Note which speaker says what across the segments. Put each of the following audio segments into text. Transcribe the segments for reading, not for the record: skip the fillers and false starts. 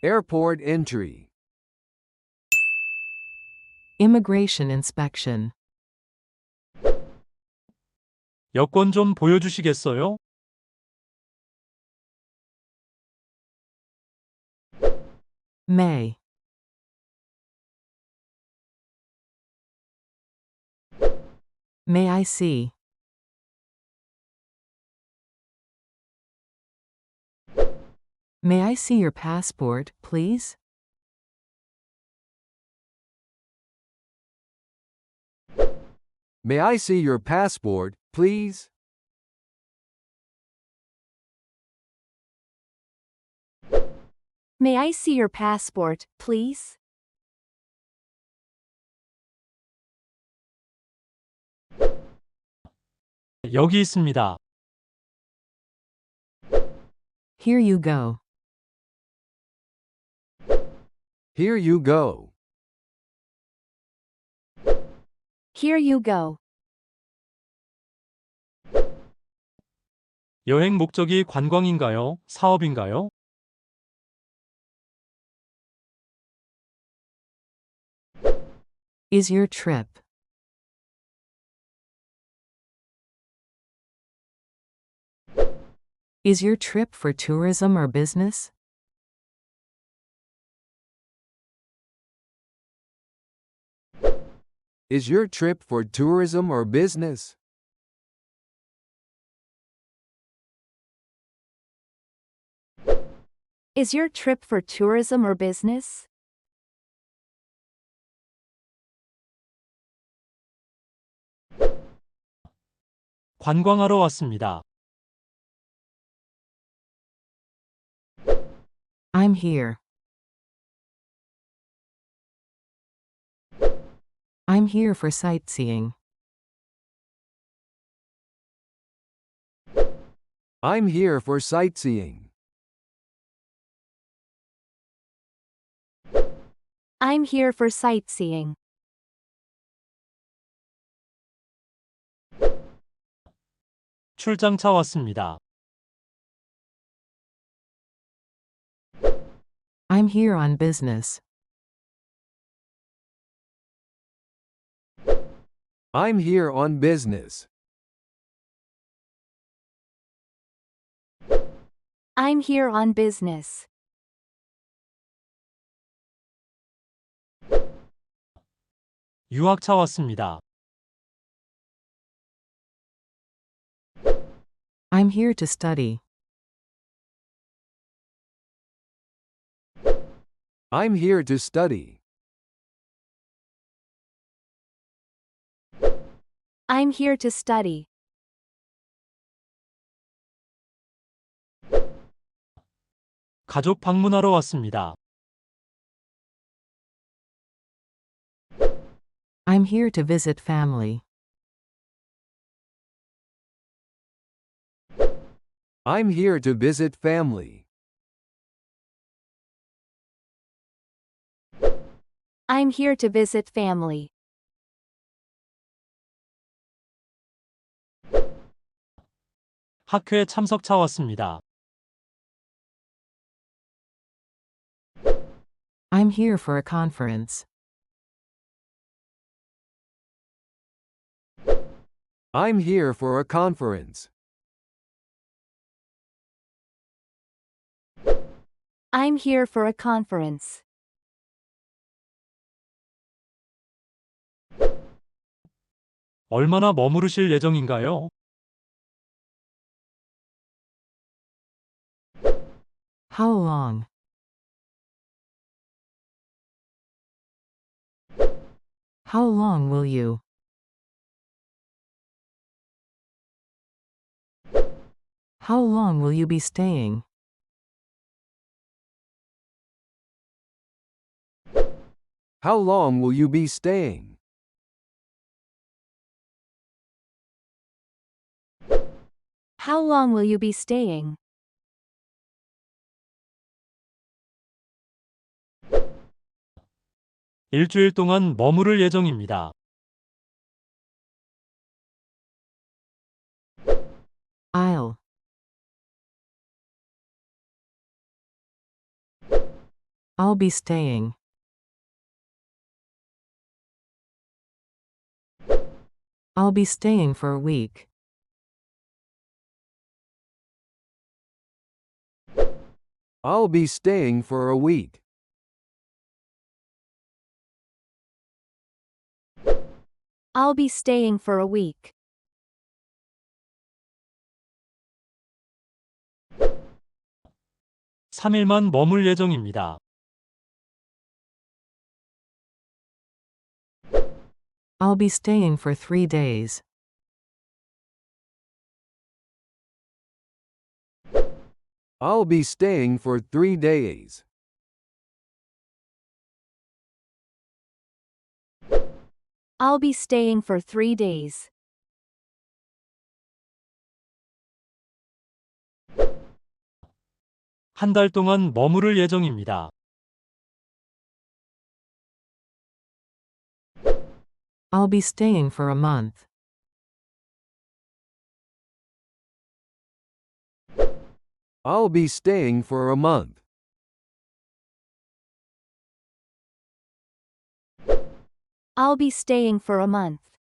Speaker 1: Airport entry.
Speaker 2: Immigration inspection.
Speaker 3: 여권 좀 보여주시겠어요?
Speaker 2: May. May I see? May I see your passport, please?
Speaker 1: May I see your passport, please?
Speaker 4: May I see your passport, please?
Speaker 3: 여기 있습니다.
Speaker 2: Here you go.
Speaker 1: Here you go.
Speaker 4: Here you go.
Speaker 3: 여행 목적이 관광인가요? 사업인가요?
Speaker 2: Is your trip? Is your trip for tourism or business?
Speaker 1: Is your trip for tourism or business?
Speaker 4: Is your trip for tourism or business?
Speaker 3: 관광하러 왔습니다.
Speaker 2: I'm here. I'm here for sightseeing.
Speaker 1: I'm here for sightseeing.
Speaker 4: I'm here for sightseeing.
Speaker 3: 출장차 왔습니다.
Speaker 2: I'm here on business.
Speaker 1: I'm here on business.
Speaker 4: I'm here on business.
Speaker 3: 유학차 왔습니다.
Speaker 2: I'm here to study.
Speaker 1: I'm here to study.
Speaker 4: I'm here to study.
Speaker 3: 가족 방문하러 왔습니다.
Speaker 2: I'm here to visit family.
Speaker 1: I'm here to visit family.
Speaker 4: I'm here to visit family.
Speaker 3: 학회에 참석차 왔습니다.
Speaker 2: I'm here for a conference.
Speaker 1: I'm here for a conference.
Speaker 4: I'm here for a conference.
Speaker 3: 얼마나 머무르실 예정인가요?
Speaker 2: How long? How long will you? How long will you be staying?
Speaker 1: How long will you be staying?
Speaker 4: How long will you be staying?
Speaker 3: 일주일 동안 머무를 예정입니다.
Speaker 2: I'll. I'll be staying. I'll be staying for a week.
Speaker 1: I'll be staying for a week.
Speaker 4: I'll be staying for a week.
Speaker 3: 삼일만 머물 예정입니다.
Speaker 2: I'll be staying for 3 days.
Speaker 1: I'll be staying for 3 days.
Speaker 4: I'll be staying for 3 days.
Speaker 3: 한 달 동안 머무를 예정입니다.
Speaker 2: I'll be staying for a month.
Speaker 1: I'll be staying for a month.
Speaker 4: I'll be staying for a month.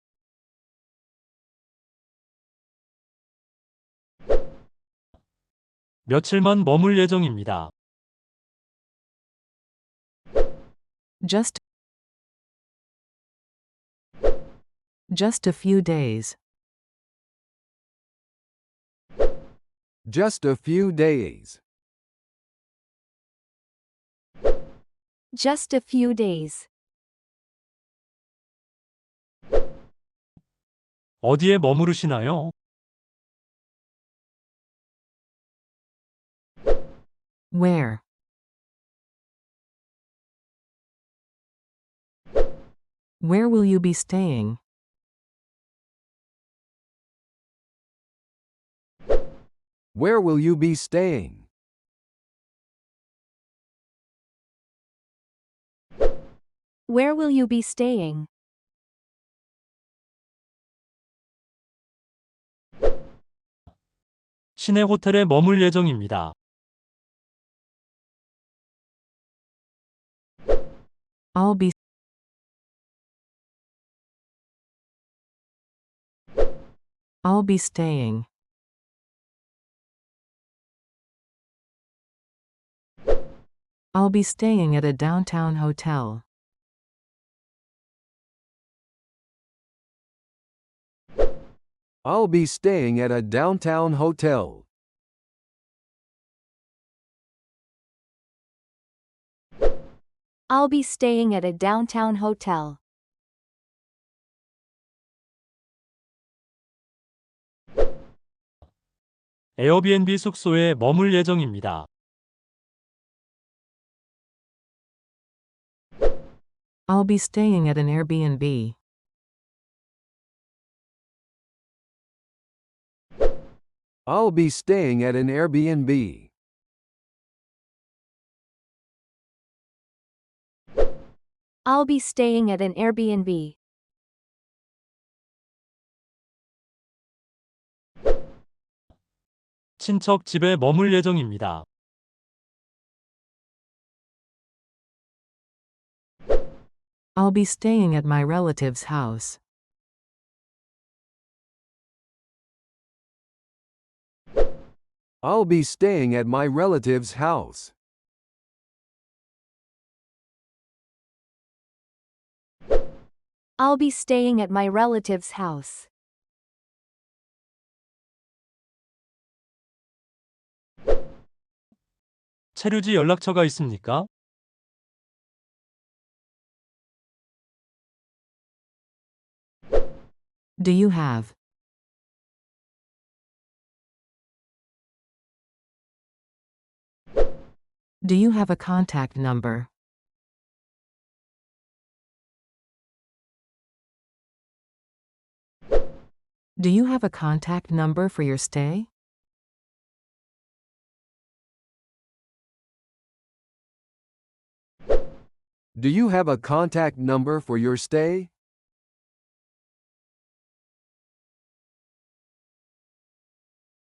Speaker 3: 며칠만 머물 예정입니다.
Speaker 2: Just a few days.
Speaker 1: Just a few days.
Speaker 4: Just a few days.
Speaker 3: 어디에 머무르시나요?
Speaker 2: Where? Where will you be staying?
Speaker 1: Where will you be staying?
Speaker 4: Where will you be staying?
Speaker 3: 시내 호텔에 머물 예정입니다.
Speaker 2: I'll be staying. I'll be staying at a downtown hotel.
Speaker 1: I'll be staying at a downtown hotel.
Speaker 4: I'll be staying at a downtown hotel.
Speaker 3: 에어비앤비 숙소에 머물 예정입니다.
Speaker 2: I'll be staying at an Airbnb.
Speaker 1: I'll be staying at an Airbnb.
Speaker 4: I'll be staying at an Airbnb.
Speaker 3: 친척 집에 머물 예정입니다.
Speaker 2: I'll be staying at my relative's house.
Speaker 1: I'll be staying at my relative's house.
Speaker 4: I'll be staying at my relative's house.
Speaker 3: 체류지 연락처가 있습니까?
Speaker 2: Do you have? Do you have a contact number? Do you have a contact number for your stay?
Speaker 1: Do you have a contact number for your stay?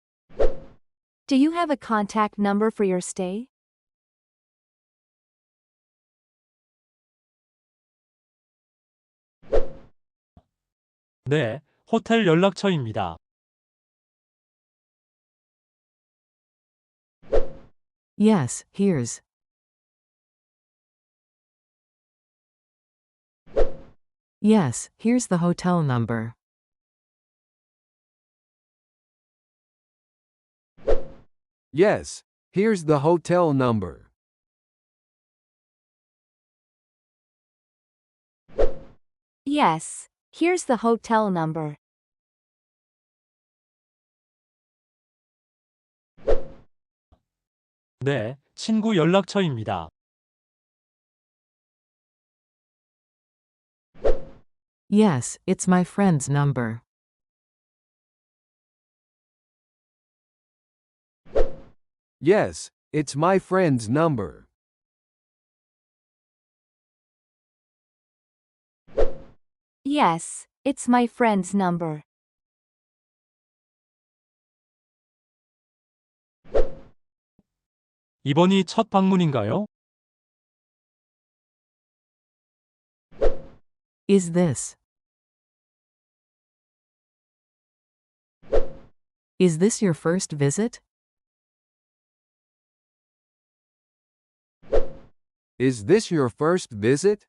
Speaker 4: Do you have a contact number for your stay?
Speaker 3: 네, 호텔 연락처입니다.
Speaker 2: Yes, here's. Yes, here's the hotel number.
Speaker 1: Yes, here's the hotel number.
Speaker 4: Yes, here's the hotel number.
Speaker 3: 네, 친구 연락처입니다.
Speaker 2: Yes, it's my friend's number.
Speaker 1: Yes, it's my friend's number.
Speaker 4: Yes, it's my friend's number.
Speaker 3: 이번이 첫 방문인가요?
Speaker 2: Is this? Is this your first visit?
Speaker 1: Is this your first visit?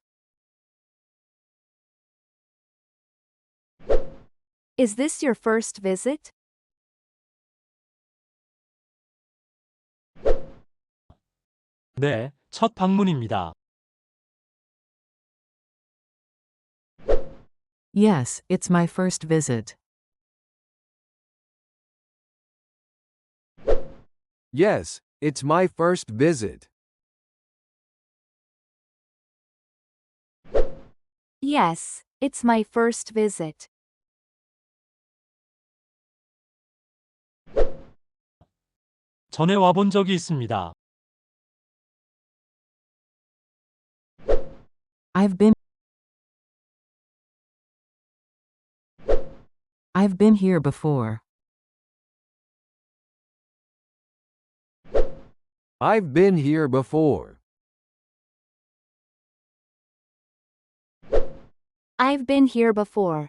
Speaker 4: Is this your first visit?
Speaker 3: 네, 첫 방문입니다.
Speaker 2: Yes, it's my first visit.
Speaker 1: Yes, it's my first visit.
Speaker 4: Yes, it's my first visit.
Speaker 3: 전에 와본 적이 있습니다.
Speaker 2: I've been here before.
Speaker 1: I've been here before.
Speaker 4: I've been here before.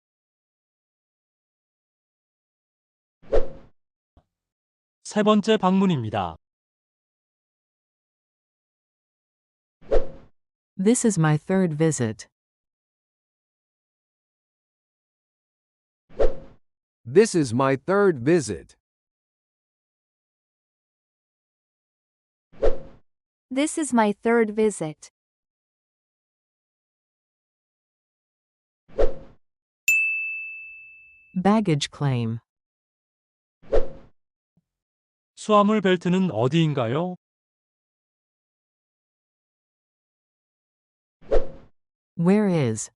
Speaker 3: 세 번째 방문입니다.
Speaker 2: This is my third visit.
Speaker 1: This is my third visit.
Speaker 4: This is my third visit.
Speaker 2: Baggage claim.
Speaker 3: 수화물 벨트는 어디인가요?
Speaker 2: Where is?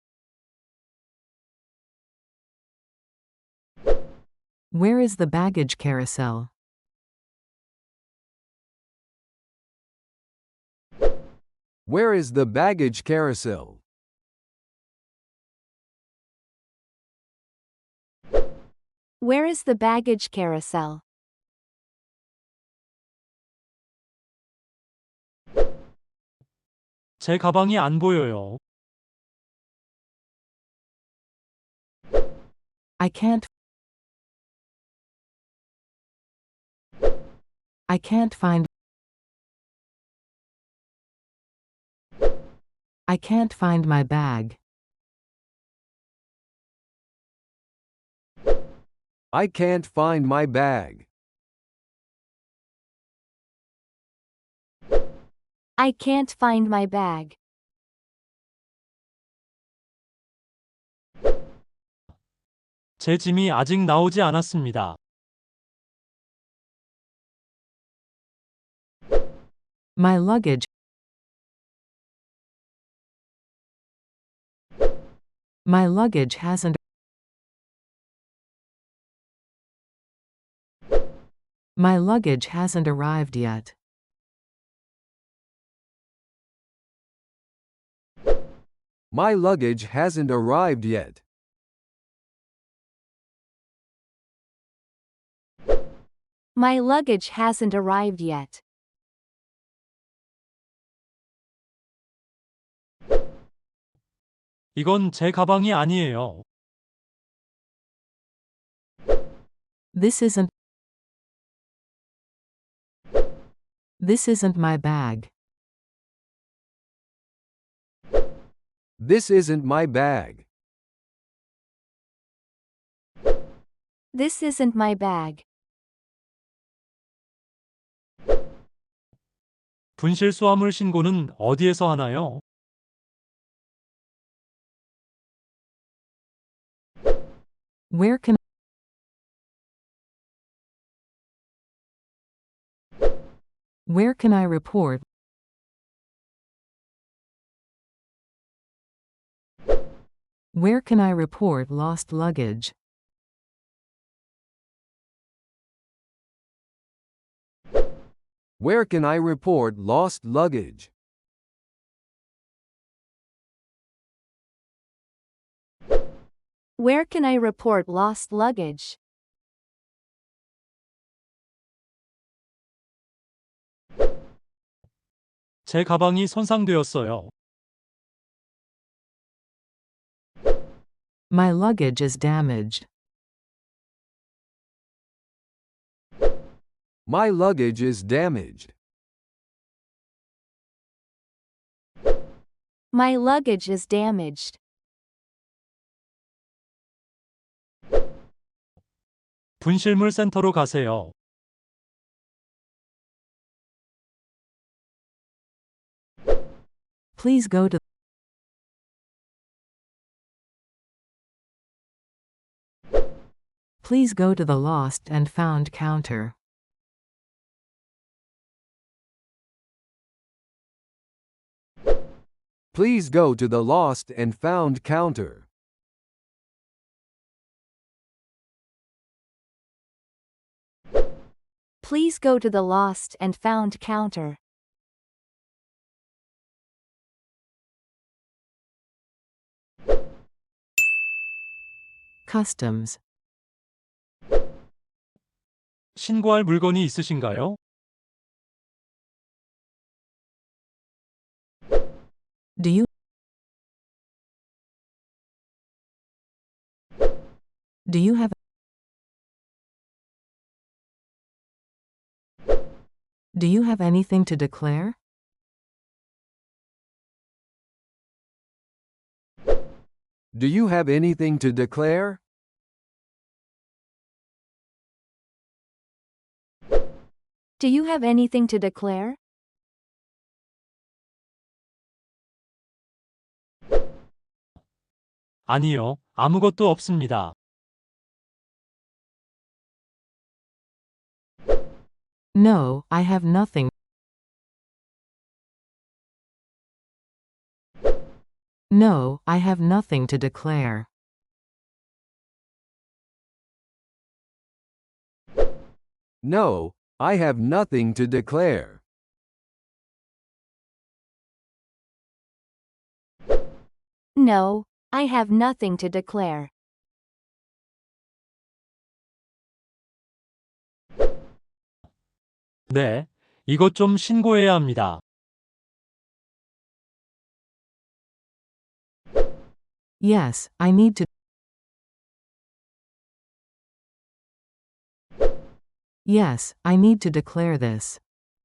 Speaker 2: Where is the baggage carousel?
Speaker 1: Where is the baggage carousel?
Speaker 4: Where is the baggage carousel?
Speaker 3: 제 가방이 안 보여요.
Speaker 2: I can't find my bag.
Speaker 1: I can't find my bag.
Speaker 4: I can't find my bag.
Speaker 3: 제 짐이 아직 나오지 않았습니다.
Speaker 2: My luggage hasn't arrived yet.
Speaker 1: My luggage hasn't arrived yet.
Speaker 4: My luggage hasn't arrived yet.
Speaker 3: 이건 제 가방이 아니에요.
Speaker 2: This isn't. This isn't my bag.
Speaker 1: This isn't my bag.
Speaker 4: This isn't my bag.
Speaker 3: 분실 수화물 신고는 어디에서 하나요?
Speaker 2: Where can Where can I report? Where can I report lost luggage?
Speaker 1: Where can I report lost luggage?
Speaker 4: Where can I report lost luggage?
Speaker 3: 제 가방이 손상되었어요.
Speaker 2: My luggage is damaged.
Speaker 1: My luggage is damaged.
Speaker 4: My luggage is damaged.
Speaker 3: 분실물 센터로 가세요.
Speaker 2: Please go to Please go to the lost and found counter.
Speaker 1: Please go to the lost and found counter.
Speaker 4: Please go to the lost and found counter.
Speaker 2: Customs.
Speaker 3: 신고할 물건이 있으신가요?
Speaker 2: Do you Do you have Do you have anything to declare?
Speaker 1: Do you have anything to declare?
Speaker 4: Do you have anything to declare?
Speaker 3: 아니요, 아무것도 없습니다.
Speaker 2: No, I have nothing. No, I have nothing to declare.
Speaker 1: No, I have nothing to declare.
Speaker 4: No, I have nothing to declare.
Speaker 3: 네, 이것 좀 신고해야 합니다.
Speaker 2: Yes, I need to. Yes, I need to declare this.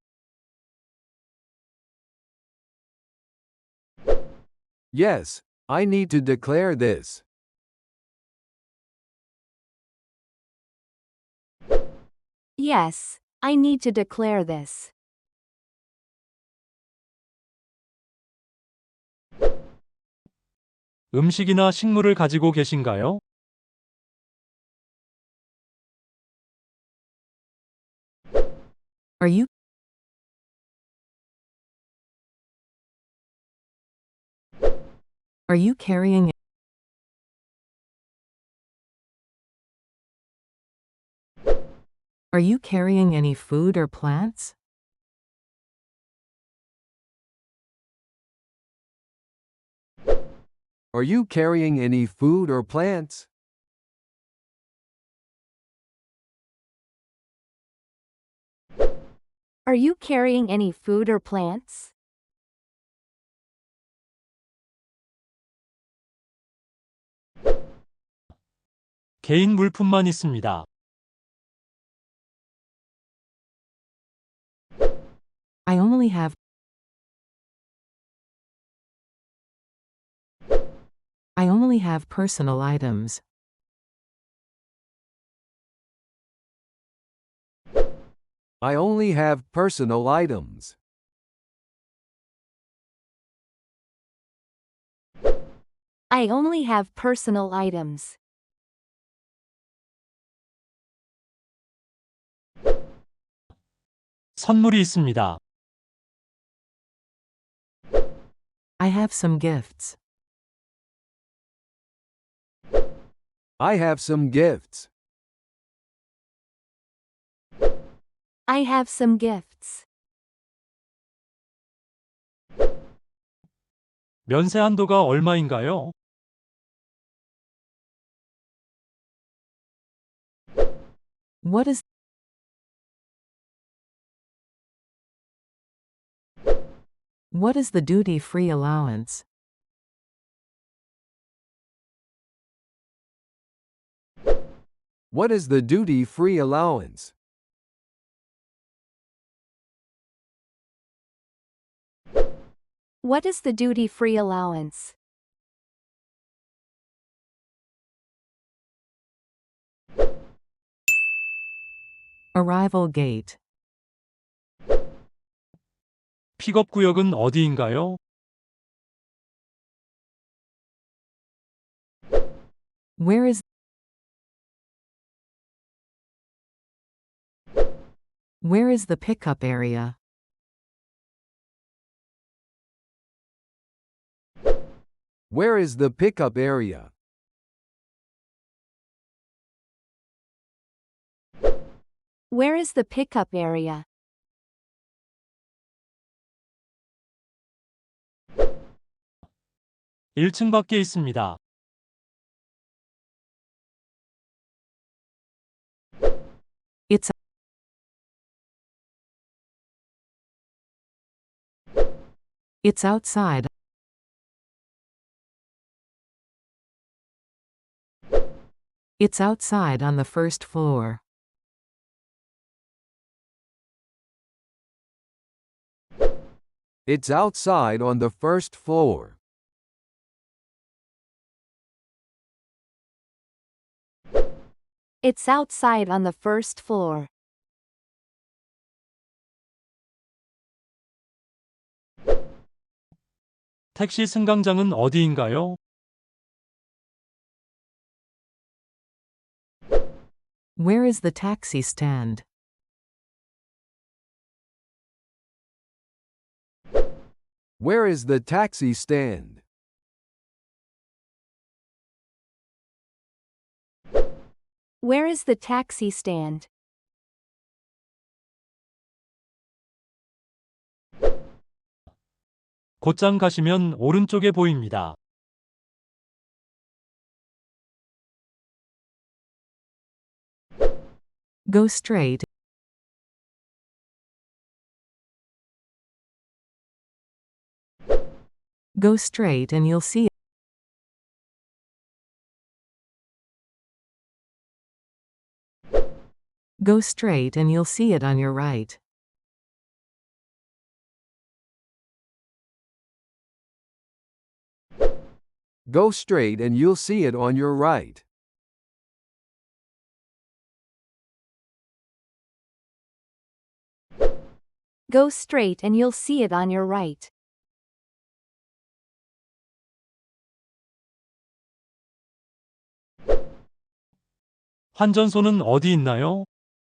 Speaker 1: Yes, I need to declare this.
Speaker 4: Yes, I need to declare this.
Speaker 3: 음식이나 식물을 가지고 계신가요?
Speaker 2: Are you Are you carrying Are you carrying any food or plants?
Speaker 1: Are you carrying any food or plants?
Speaker 4: Are you carrying any food or plants?
Speaker 3: 개인 물품만 있습니다.
Speaker 2: only have personal items.
Speaker 1: I only have personal items.
Speaker 4: I only have personal items.
Speaker 3: 선물이 있습니다.
Speaker 2: I have some gifts.
Speaker 1: I have some gifts.
Speaker 4: I have some gifts.
Speaker 3: 면세 한도가 얼마인가요?
Speaker 2: What is the duty-free allowance?
Speaker 1: What is the duty-free allowance?
Speaker 4: What is the duty-free allowance?
Speaker 2: Arrival gate.
Speaker 3: 픽업 구역은 어디인가요?
Speaker 2: Where is the pickup area?
Speaker 1: Where is the pickup area?
Speaker 4: Where is the pickup area?
Speaker 3: 일 층 밖에 있습니다.
Speaker 2: It's outside. It's outside on the first floor.
Speaker 1: It's outside on the first floor.
Speaker 4: It's outside on the first floor.
Speaker 3: 택시 승강장은 어디인가요?
Speaker 2: Where is the taxi stand?
Speaker 1: Where is the taxi stand?
Speaker 4: Where is the taxi stand?
Speaker 3: 곧장 가시면 오른쪽에 보입니다.
Speaker 2: Go straight. Go straight and you'll see it. Go straight and you'll see it on your right.
Speaker 1: Go straight and you'll see it on your right.
Speaker 4: Go straight and you'll see it on your right.
Speaker 3: 환전소는 어디 있나요?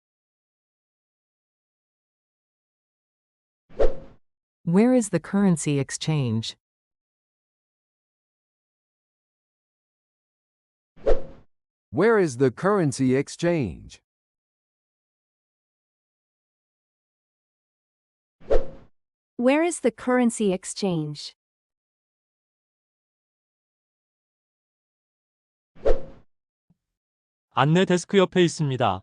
Speaker 2: Where is the currency exchange?
Speaker 1: Where is the currency exchange?
Speaker 4: Where is the currency exchange?
Speaker 3: 안내 데스크 옆에 있습니다.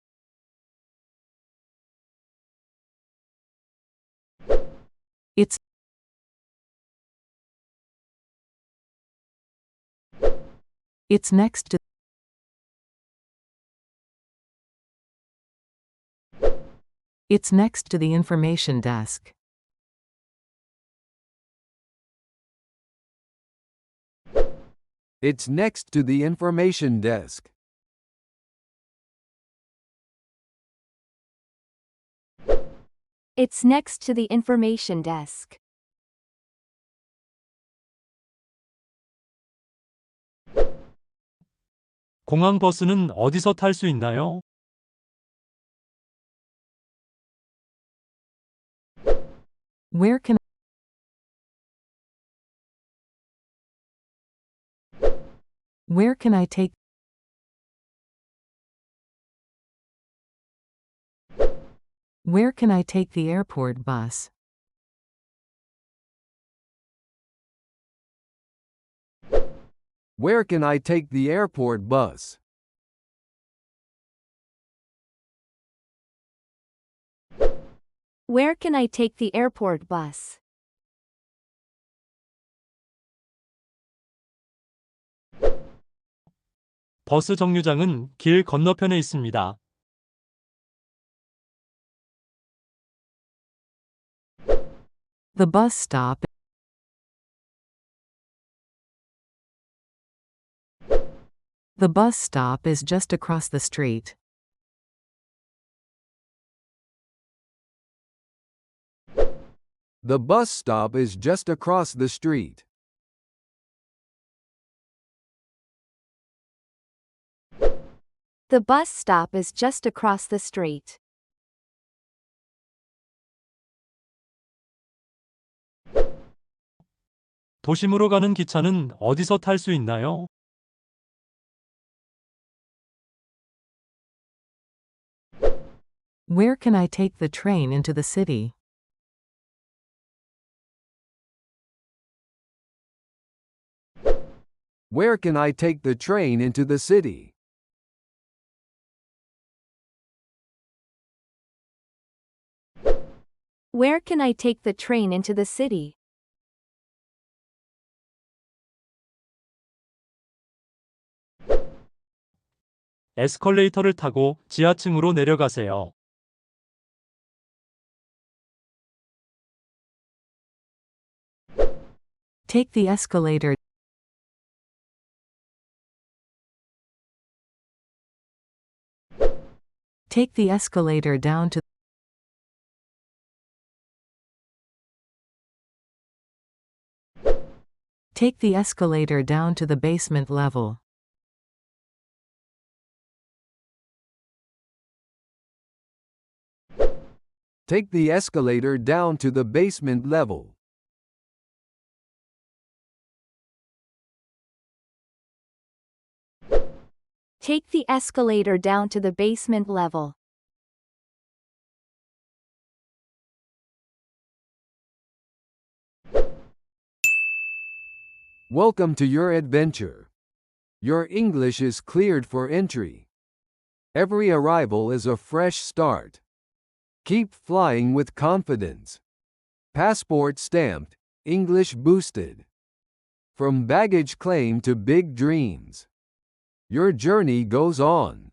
Speaker 2: It's next to the information desk.
Speaker 1: It's next to the information desk.
Speaker 4: It's next to the information desk.
Speaker 3: 공항 버스는 어디서 탈 수 있나요?
Speaker 2: Where can Where can I take Where can I take the airport bus?
Speaker 1: Where can I take the airport bus?
Speaker 4: Where can I take the airport bus?
Speaker 3: 버스 정류장은 길 건너편에 있습니다.
Speaker 2: The bus stop The bus stop is just across the street.
Speaker 1: The bus stop is just across the street.
Speaker 4: The bus stop is just across the street.
Speaker 3: 도심으로 가는 기차는 어디서 탈 수 있나요?
Speaker 2: Where can I take the train into the city?
Speaker 1: Where can I take the train into the city?
Speaker 4: Where can I take the train into the city?
Speaker 3: 에스컬레이터를 타고 지하층으로 내려가세요.
Speaker 2: Take the escalator Take the escalator down to Take the escalator down to the basement level.
Speaker 1: Take the escalator down to the basement level.
Speaker 4: Take the escalator down to the basement level.
Speaker 1: Welcome to your adventure. Your English is cleared for entry. Every arrival is a fresh start. Keep flying with confidence. Passport stamped, English boosted. From baggage claim to big dreams. Your journey goes on.